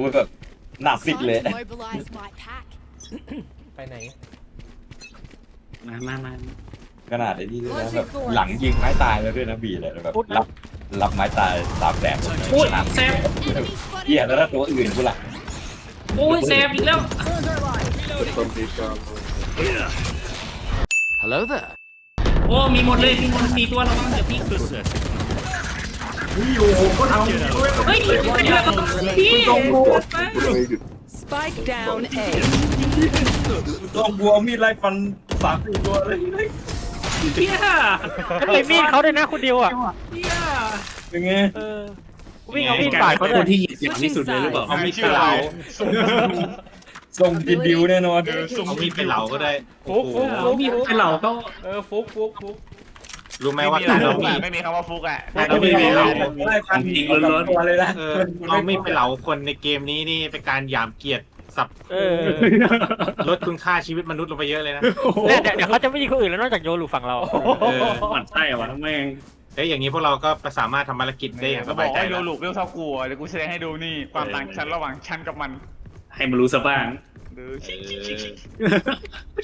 แบบหนักฟิกเลยไปไหนมาขนาดไอ้นี่ด้วยนะแบบหลังยิงไม้ตายแล้วด้วยนะบีเลยแบบรับไม้ตาย300,000 โอ้ยแซมเหี้ยแล้วถ้าตัวอื่นกูล่ะโอ้ยแซมอีกแล้ว Hello there. โอ้มีหมดเลยมีหมด4ตัวแล้วมั้งเดี๋ยวพี่โอ้โหก็เอาเฮ้ยไม่ได้พี่ Spike down A. ต้องบัวมีดไล่ฟัน3-4ตัวเลยเฮียไอ้มีดเขาด้วยนะคุณดิวอ่ะเฮียเป็นไงวิ่งเอามีดปาดเขาเลคยนที่เหยียดอย่างที่สุดเลยหรือเปล่าเอามีดไปเหลาส่งกินดิวแน่นอนเอามีดไปเหลาก็ได้ฟุกเอามีดไปเหลาเขาฟุกรู้ไหมว่าการเอามีดไม่มีคำว่าฟุกอ่ะเอามีดไปเหลาไล่ฟันตัวเลยนะเอามีดไปเหลาคนในเกมนี้นี่เป็นการหยามเกียรติสับลดคุณค่าชีวิตมนุษย์ลงไปเยอะเลยนะเดี๋ยวเขาจะไม่ยิงคนอื่นแล้วนอกจากโยลูฝั่งเรามันใช่วะแม่งเอ้ยอย่างนี้พวกเราก็สามารถทำภารกิจได้อย่างสบายใจดูแล้วลูกเรื่องเท่ากูเดี๋ยวกูแสดงให้ดูนี่ความต่างชั้นระหว่างชั้นกับมันให้มันรู้ซะบ้างดู